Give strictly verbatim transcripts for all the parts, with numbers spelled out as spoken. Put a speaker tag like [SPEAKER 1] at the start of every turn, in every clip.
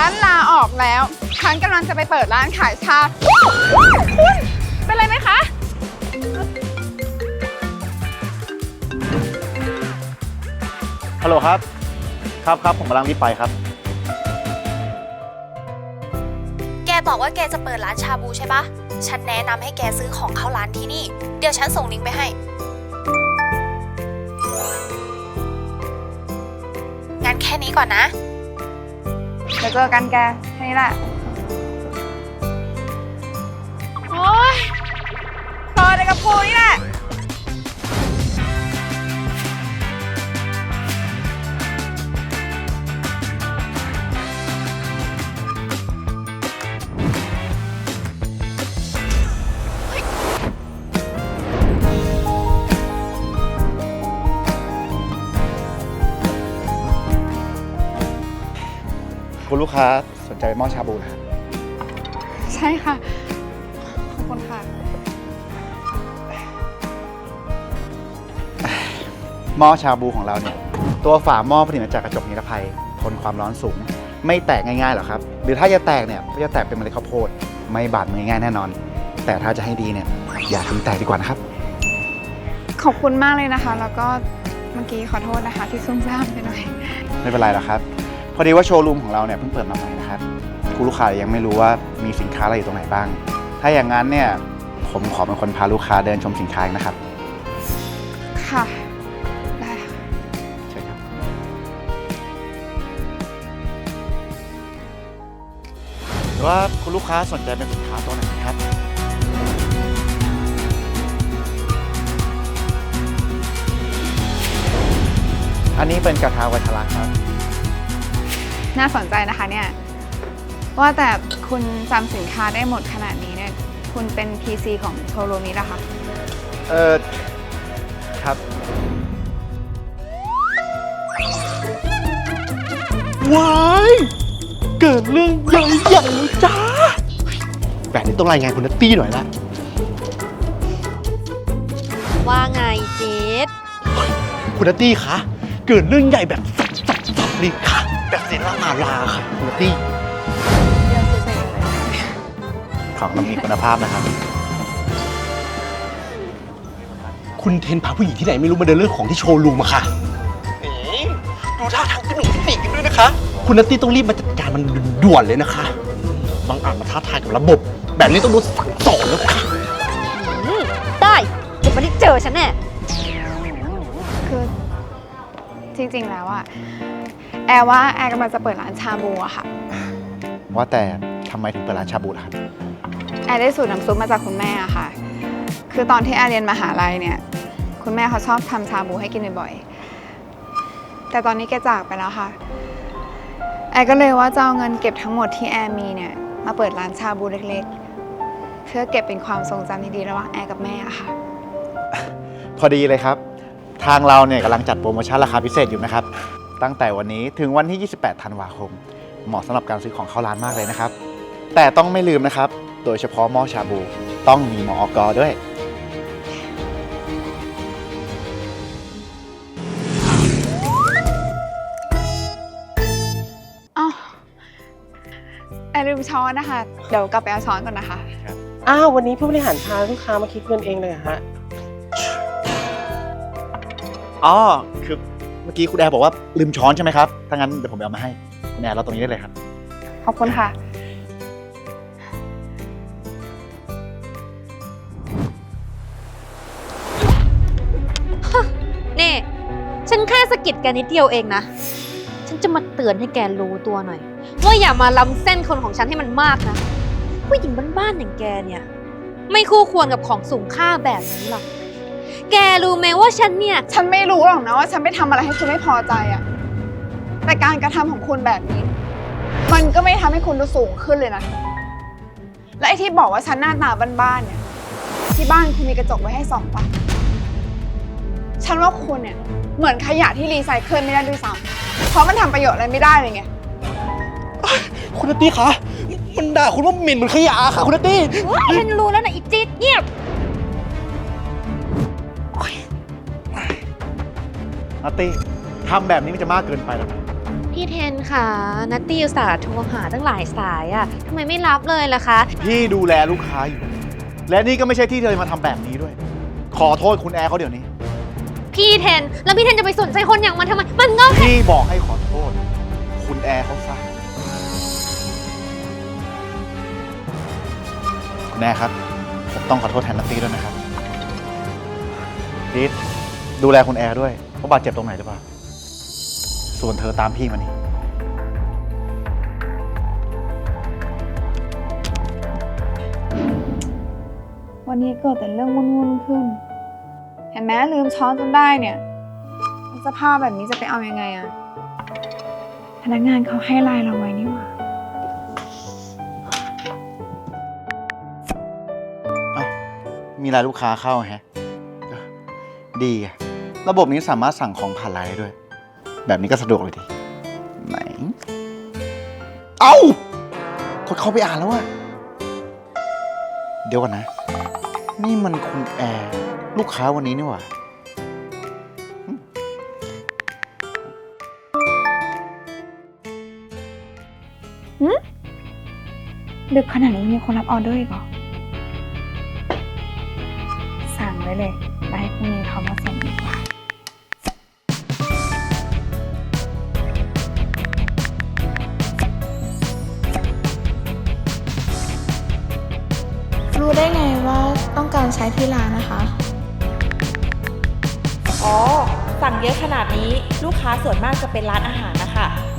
[SPEAKER 1] นลาออกแล้วฉันกำลังจะไปเปิดร้านขายชาคุณเป็นไรไหมคะ
[SPEAKER 2] ฮัลโหลครับครับครับผมกำลังรีบไปครับ
[SPEAKER 3] แกบอกว่าแกจะเปิดร้านชาบูใช่ปะฉันแนะนำให้แกซื้อของเข้าร้านที่นี่เดี๋ยวฉันส่งลิงก์ไปให้งั้นแค่นี้ก่อนนะ
[SPEAKER 1] เดี๋ยวเจอกันแกแค่นี้แหละโอ๊ยต่อเลยกับกูนี่แหละ
[SPEAKER 2] คุณลูกค้าสนใจหม้อชาบูนะครับ
[SPEAKER 1] ใช่ค่ะขอบคุณค่ะ
[SPEAKER 2] หม้อชาบูของเราเนี่ยตัวฝาหม้อผลิตมาจากกระจกนิรภัยทนความร้อนสูงไม่แตกง่ายๆหรอกครับหรือถ้าจะแตกเนี่ยก็จะแตกเป็นเมล็ดข้าวโพดไม่บาดมือง่ายแน่นอน แต่ถ้าจะให้ดีเนี่ยอย่าทำแตกดีกว่านะครับ
[SPEAKER 1] ขอบคุณมากเลยนะคะแล้วก็เมื่อกี้ขอโทษนะคะที่ซุ่มซ่ามไปหน่อย
[SPEAKER 2] ไม่เป็นไรหรอกครับพอดีว่าโชว์รูมของเราเนี่ยเพิ่งเปิดมาใหม่นะครับคุณลูกค้ายังไม่รู้ว่ามีสินค้าอะไรอยู่ตรงไหนบ้างถ้าอย่างนั้นเนี่ยผมขอเป็นคนพาลูกค้าเดินชมสินค้านะครับ
[SPEAKER 1] ค่ะได้ค่ะ
[SPEAKER 2] ใช่ครับหรือว่าคุณลูกค้าสนใจเป็นสินค้าตัวไหนครับอันนี้เป็นกระทะวัชระครับ
[SPEAKER 1] น่าสนใจนะคะเนี่ยว่าแต่คุณจำสินค้าได้หมดขนาดนี้เนี่ยคุณเป็น พี ซี ของโชว์รูมนี้เหรอคะ
[SPEAKER 2] เออครับ
[SPEAKER 4] ว้ายเกิดเรื่องใหญ่ใหญ่เลยจ้าแบบนี้ต้องรายงานคุณนัตตี้หน่อยละ
[SPEAKER 3] ว่าไงเจษ
[SPEAKER 4] คุณนัตตี้คะเกิดเรื่องใหญ่แบบสับสับสับเลยค่ะแบบเซรามาลาค่ะคุณนัตตี้
[SPEAKER 1] เรื่องเฉยๆเลย
[SPEAKER 2] ของเรามีคุณภาพนะครับ
[SPEAKER 4] คุณเทนพาผู้หญิงที่ไหนไม่รู้มาเดินเรื่องของที่โชว์รูมอะค่ะดูท่าทางสนุกสนิทกันด้วยนะคะคุณนัตตี้ต้องรีบมาจัดการมันด่วนเลยนะคะบางอาจมาท้าทายกับระบบแบบนี้ต้องโดนสั่งสอนแล้วค่ะ
[SPEAKER 3] ได้เดี๋ยวมันได้เจอฉันแน่
[SPEAKER 1] คือจริงๆแล้วอะแอร์ว่าแอร์กำลังจะเปิดร้านชาบูอะค่ะ
[SPEAKER 2] ว่าแต่ทำไมถึงเปิดร้านชาบูล่ะครับ
[SPEAKER 1] แอร์ได้สูตรน้ำซุปมาจากคุณแม่อะค่ะคือตอนที่แอร์เรียนมหาลัยเนี่ยคุณแม่เขาชอบทำชาบูให้กินบ่อยๆแต่ตอนนี้แกจากไปแล้วค่ะแอร์ก็เลยว่าจะเอาเงินเก็บทั้งหมดที่แอร์มีเนี่ยมาเปิดร้านชาบูเล็กๆเพื่อเก็บเป็นความทรงจำที่ดีระหว่างแอร์กับแม่อะค่ะ
[SPEAKER 2] พอดีเลยครับทางเราเนี่ยกำลังจัดโปรโมชั่นราคาพิเศษอยู่นะครับตั้งแต่วันนี้ถึงวันที่ ยี่สิบแปด ธันวาคมเหมาะสำหรับการซื้อของเข้าร้านมากเลยนะครับแต่ต้องไม่ลืมนะครับโดยเฉพาะหม้อชาบูต้องมีมอก.ด้วย
[SPEAKER 1] อ๋อแอร์ลืมช้อนนะคะเดี๋ยวกลับไปเอาช้อนก่อนนะคะ
[SPEAKER 5] อ้าววันนี้ผู้บริหารพาลูกค้ามาคิดเงินเองเลยเหรอฮะ
[SPEAKER 2] อ๋อคือเมื่อกี้คุณแอร์บอกว่าลืมช้อนใช่ไหมครับถ้างั้นเดี๋ยวผมไปเอามาให้คุณแอร์เราตรงนี้ได้เลยครับ
[SPEAKER 1] ขอบคุณค่ะ
[SPEAKER 3] นี่ฉันแค่สะกิดแกนิดเดียวเองนะฉันจะมาเตือนให้แกรู้ตัวหน่อยว่าอย่ามาล้ำเส้นคนของฉันให้มันมากนะผู้หญิงบ้านๆอย่างแกเนี่ยไม่คู่ควรกับของสูงค่าแบบนี้หรอกแกรู้ไหมว่าฉันเนี่ย
[SPEAKER 1] ฉันไม่รู้หรอกนะว่าฉันไปทำอะไรให้คุณไม่พอใจอะแต่การกระทำของคุณแบบนี้มันก็ไม่ทำให้คุณดูสูงขึ้นเลยนะและไอ้ที่บอกว่าฉันหน้าตาบ้านๆเนี่ยที่บ้านคุณมีกระจกไว้ให้ส่องปะฉันว่าคุณเนี่ยเหมือนขยะที่รีไซเคิลไม่ได้ด้วยซ้ำเพราะมันทำประโยชน์อะไรไม่ได้เลยไง
[SPEAKER 4] คุณนัตตี้คะมันด่าคุณว่าเหม็นเหมือนขยะค่ะคุณนัตตี้
[SPEAKER 3] ฉันรู้แล้วนะอีจิ๊ดเงียบ
[SPEAKER 2] นัตตี้ทำแบบนี้มันจะมากเกินไปแล้วนะ
[SPEAKER 3] ทพี่เทนค่ะนัตตี้อุตส่าห์โทรหาตั้งหลายสายอะทำไมไม่รับเลยล่ะคะ
[SPEAKER 2] พี่ดูแลลูกค้าอยู่ และนี่ก็ไม่ใช่ที่เธอมาทำแบบนี้ด้วย ขอโทษคุณแอร์เขาเดี๋ยวนี้
[SPEAKER 3] พี่เทน แล้วพี่เทนจะไปสนใจคนอย่างมันทำไม มันก็แค่
[SPEAKER 2] พี่บอกให้ขอโทษ คุณแอร์เขาซะคุณแอร์ครับ ผมต้องขอโทษแทนนัตตี้ด้วยนะครับดิดดูแลคุณแอร์ด้วยเขาบาดเจ็บตรงไหนหรือเปล่า ส่วนเธอตามพี่มานี่
[SPEAKER 1] วันนี้เกิดแต่เรื่องวุ่นๆขึ้น เห็นไหมลืมช้อนจนได้เนี่ยสภาพแบบนี้จะไปเอายังไงอะพนักงานเขาให้ไลน์เราไว้นี่หว่า
[SPEAKER 2] เอ้ามีรายลูกค้าเข้าแฮะเออดีอะระบบนี้สามารถสั่งของผ่านไลน์ได้ด้วย แบบนี้ก็สะดวกเลยดี ไหน เอ้ากดเข้าไปอ่านแล้วอะเดี๋ยวก่อนนะ นี่มันคุณแอร์ลูกค้าวันนี้นี่หว่า
[SPEAKER 1] ดึกขนาดนี้มีคนรับออเดอร์อีกเหรอ สั่งไว้เลยแล้วให้พรุ่งนี้เขามาส่งดีกว่า
[SPEAKER 6] รู้ได้ไงว่าต้องการใช้ที่ร้านนะคะ
[SPEAKER 7] อ๋อ สั่งเยอะขนาดนี้ลูกค้าส่วนมากจะเป็นร้านอาหารนะคะ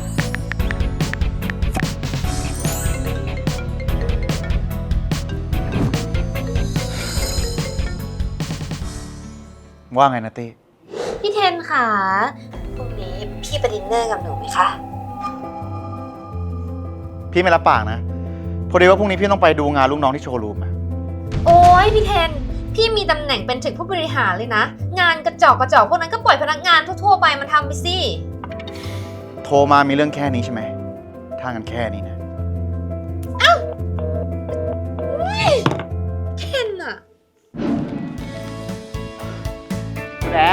[SPEAKER 2] ว่าไงนะเต้
[SPEAKER 3] พี่เทนค่ะพรุ่งนี้พี่ไปดินเนอร์กับหนูไหมคะ
[SPEAKER 2] พี่ไม่รับปากนะ พอดีว่าพรุ่งนี้พี่ต้องไปดูงานลูกน้องที่โชว์รูมอะ
[SPEAKER 3] โอ้ยพี่เทน พี่มีตำแหน่งเป็นถึงผู้บริหารเลยนะ งานกระจอกกระจอกพวกนั้นก็ปล่อยพนักงานทั่วๆไปมันทำไปสิ
[SPEAKER 2] โทรมามีเรื่องแค่นี้ใช่ไหม ถ้างั้นแค่นี้นะ
[SPEAKER 3] เทนอะ
[SPEAKER 2] คุณแอร์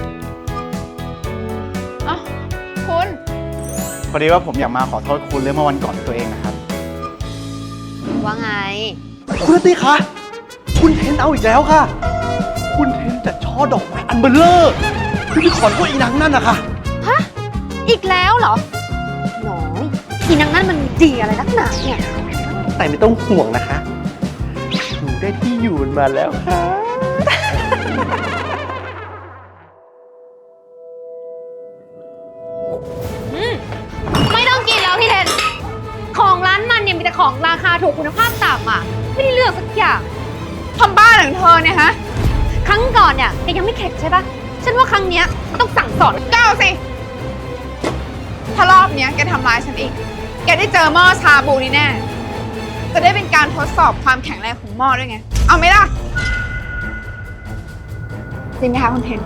[SPEAKER 1] อ๋อ คุณ
[SPEAKER 2] พอดีว่าผมอยากมาขอโทษคุณเรื่องเมื่อวันก่อนด้วยตัวเองนะครับ
[SPEAKER 3] ว่าไง
[SPEAKER 4] คุณนัตตี้คะ คุณเทนเอาอีกแล้วค่ะ คุณเทนจัดช่อดอกไม้อันเบลเลอร์ที่พี่ขอนพวกอีนางนั่นนะคะ
[SPEAKER 3] อีกแล้วเหรอน้อยอีนางนั่นมันดีอะไรนักหนาเนี่ย
[SPEAKER 4] แต่ไม่ต้องห่วงนะคะหนูได้ที่อยู่มันมาแล้วค่ะ
[SPEAKER 3] ไม่ต้องกินแล้วพี่เทน ของร้านมันเนี่ยมีแต่ของราคาถูกคุณภาพต่ำอ่ะ ไม่ได้เลือกสักอย่าง
[SPEAKER 1] ทำบ้านของเธอเนี่ยฮะ
[SPEAKER 3] ครั้งก่อนเนี่ยแกยังไม่เข็ดใช่ปะฉันว่าครั้งเนี้ยต้องสั่งสอน
[SPEAKER 1] เก้าสิ ถ้ารอบเนี้ยแกทำร้ายฉันอีก แกได้เจอหม้อชาบูนี่แน่ จะได้เป็นการทดสอบความแข็งแรงของหม้อด้วยไง เอาไหมล่ะ จริงไหมคะคุณเทน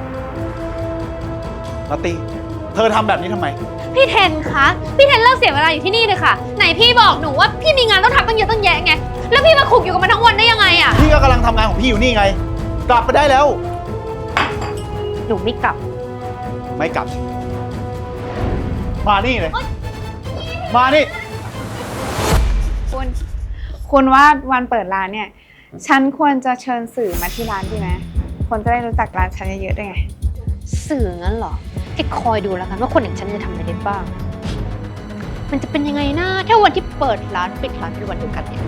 [SPEAKER 2] นัตตี้ เธอทำแบบนี้ทำไม
[SPEAKER 3] พี่เทนคะ พี่เทนเลิกเสียเวลาอยู่ที่นี่เลยค่ะ ไหนพี่บอกหนูว่าพี่มีงานต้องทำตั้งเยอะตั้งแยะไง แล้วพี่มาขุกอยู่กับมันทั้งวันได้ยังไงอะ
[SPEAKER 2] พี่ก็กำลังทำงานของพี่อยู่นี่ไง กลับไปได้แล้ว
[SPEAKER 3] หนูไม่กลับ
[SPEAKER 2] ไม่กลับสิมานี่เลย มานี่
[SPEAKER 1] คุณ คุณว่าวันเปิดร้านเนี่ย ฉันควรจะเชิญสื่อมาที่ร้านดีไหมคนจะได้รู้จักร้านฉันเยอะๆด้วยไง
[SPEAKER 3] สื่องั้นเหรอแกคอยดูแล้วกันว่าคนอย่างฉันจะทำอะไรได้บ้าง มันจะเป็นยังไงนะถ้าวันที่เปิดร้านปิดร้านเป็นวันเดียวกันเนี่ย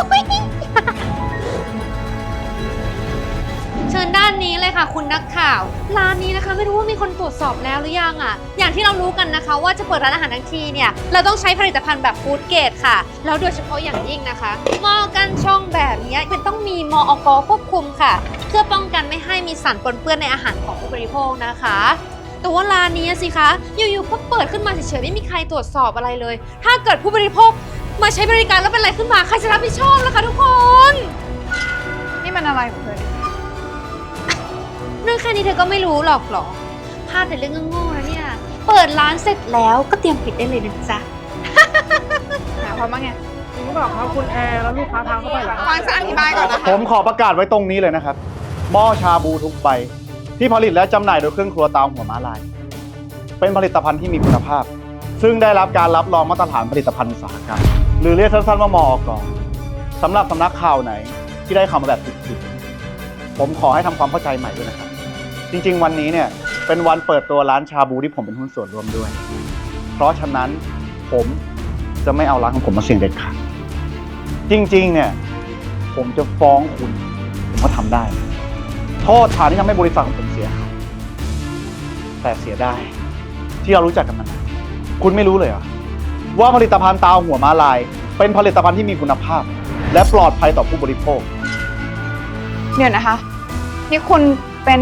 [SPEAKER 3] เชิญด้านนี้เลยค่ะคุณนักข่าว ร้านนี้นะคะไม่รู้ว่ามีคนตรวจสอบแล้วหรือยังอ่ะ อย่างที่เรารู้กันนะคะ ว่าจะเปิดร้านอาหารทั้งทีเนี่ยเราต้องใช้ผลิตภัณฑ์แบบฟู้ดเกรดค่ะ แล้วโดยเฉพาะอย่างยิ่งนะคะหม้อกันช่องแบบนี้เป็นต้องมีมอกควบคุมค่ะ เพื่อป้องกันไม่ให้มีสารปนเปื้อนในอาหารของผู้บริโภคนะคะ แต่ว่าร้านนี้สิคะอยู่ๆก็เปิดขึ้นมาเฉยๆไม่มีใครตรวจสอบอะไรเลย ถ้าเกิดผู้บริโภคมาใช้บริการแล้วเป็นอะไรขึ้นมาใครจะรับผิดชอบล่ะคะทุกคน
[SPEAKER 1] นี่มันอะไรของเธอเนี่ย
[SPEAKER 3] เรื่องแค่นี้เธอก็ไม่รู้หรอกเหรอพลาดแต่เรื่องโง่ๆนะเนี่ย เปิดร้านเสร็จแล้วก็เตรียมปิดได้เลยนะจ๊ะ
[SPEAKER 1] หาความว่าไง
[SPEAKER 5] คุณก็บอกเขาคุณแอร์แล้วลูกค้าพาเข้าไปเหรอ
[SPEAKER 1] ฟังฉันอธิบายก่อนนะคะ
[SPEAKER 2] ผมขอประกาศไว้ตรงนี้เลยนะครับ หม้อชาบูทุกใบที่ผลิตและจำหน่ายโดยเครื่องครัวเตาหัวม้าลาย เป็นผลิตภัณฑ์ที่มีคุณภาพซึ่งได้รับการรับรองมาตรฐานผลิตภัณฑ์อุตสาหกรรม หรือเรียกสั้นๆว่ามอกสำหรับสำนักข่าวไหนที่ได้ข่าวมาแบบผิดๆผมขอให้ทำความเข้าใจใหม่ด้วยนะครับ จริงๆวันนี้เนี่ยเป็นวันเปิดตัวร้านชาบูที่ผมเป็นหุ้นส่วนร่วมด้วย เพราะฉะนั้นผมจะไม่เอาร้านของผมมาเสี่ยงเด็ดขาดจริงๆเนี่ยผมจะฟ้องคุณผมก็ทำได้ โทษฐานที่ทำให้บริษัทของผมเสียหายแต่เสียได้ที่เรารู้จักกันมานานคุณไม่รู้เลยเหรอว่าผลิตภัณฑ์ตาหัวม้าลาย เป็นผลิตภัณฑ์ที่มีคุณภาพ และปลอดภัยต่อผู้บริโภค
[SPEAKER 1] เดี๋ยวนะคะ นี่คุณเป็น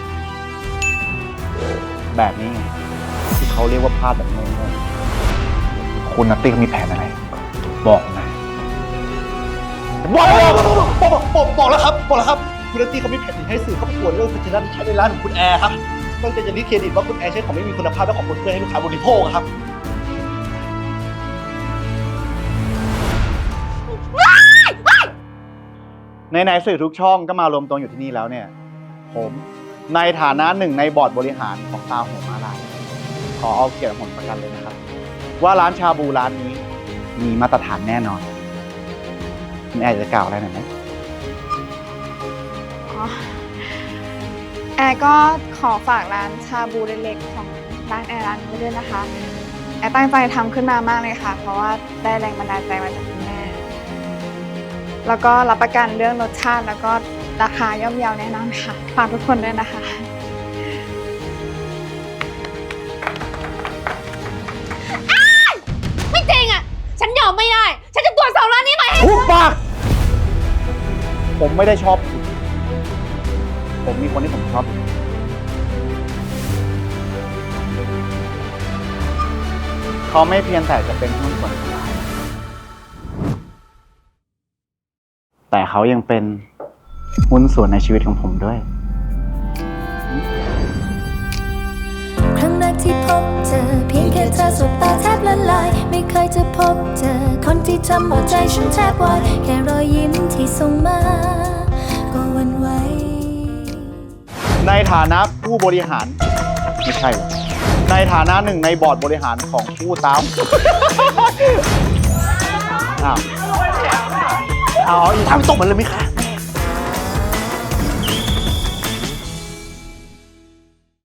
[SPEAKER 2] แบบนี้ไงที่เขาเรียกว่าพลาดแบบโง่ๆคุณนัตตี้เขามีแผนอะไร บอกมาบอกบอกบอกบอกบอกแล้วครับบอกแล้วครับคุณนัตตี้เขามีแผนให้สื่อเข้าไปตรวจเรื่องพัชนะที่ใช้ในร้านของคุณแอร์ครับต้องจะจะรีดเครดิตว่าคุณแอร์ใช้ของไม่มีคุณภาพและของคนเพื่อให้ลูกค้าบริโภคครับในๆสื่อทุกช่องก็มารวมตัวอยู่ที่นี่แล้วเนี่ย ผมในฐานะหนึ่งในบอร์ดบริหารของตาหัวม้าลายขอเอาเกียรติผลประกันเลยนะครับ ว่าร้านชาบูร้านนี้มีมาตรฐานแน่นอนคุณแอร์จะกล่าวอะไรหน่อยไหม
[SPEAKER 1] อ๋อแอร์ก็ขอฝากร้านชาบูเล็กๆของร้านแอร์ร้านนี้ด้วยนะคะ แอร์ตั้งใจทำขึ้นมามากเลยค่ะ เพราะว่าได้แรงบันดาลใจมาจากคุณแม่ แล้วก็รับประกันเรื่องรสชาติแล้วก็ราคาย่อมเยาแน่นอนค่ะฝากทุกคนด้วยนะคะ
[SPEAKER 3] ไม่จริงอ่ะ ฉันยอมไม่ได้ ฉันจะตรวจสอบร้านนี้ใหม่ให้
[SPEAKER 2] ทุบปากผมไม่ได้ชอบคุณผมมีคนที่ผมชอบอยู่เขาไม่เพียงแต่จะเป็นหุ้นส่วนของร้านแต่เขายังเป็นหุ้นส่วนในชีวิตของผมด้วย
[SPEAKER 8] ครั้งแรกที่พบเจอเพียงแค่เธอสบตาแทบละลายไม่เคยจะพบเจอคนที่ทำหัวใจฉันแทบวายแค่รอยยิ้มที่ส่งมาก็หวั่นไหว
[SPEAKER 2] ในฐานะผู้บริหารไม่ใช่หรอกในฐานะหนึ่งในบอร์ดบริหารของผู้ตามอ้าวเอาอีกทำตกมันเลยไหมคะ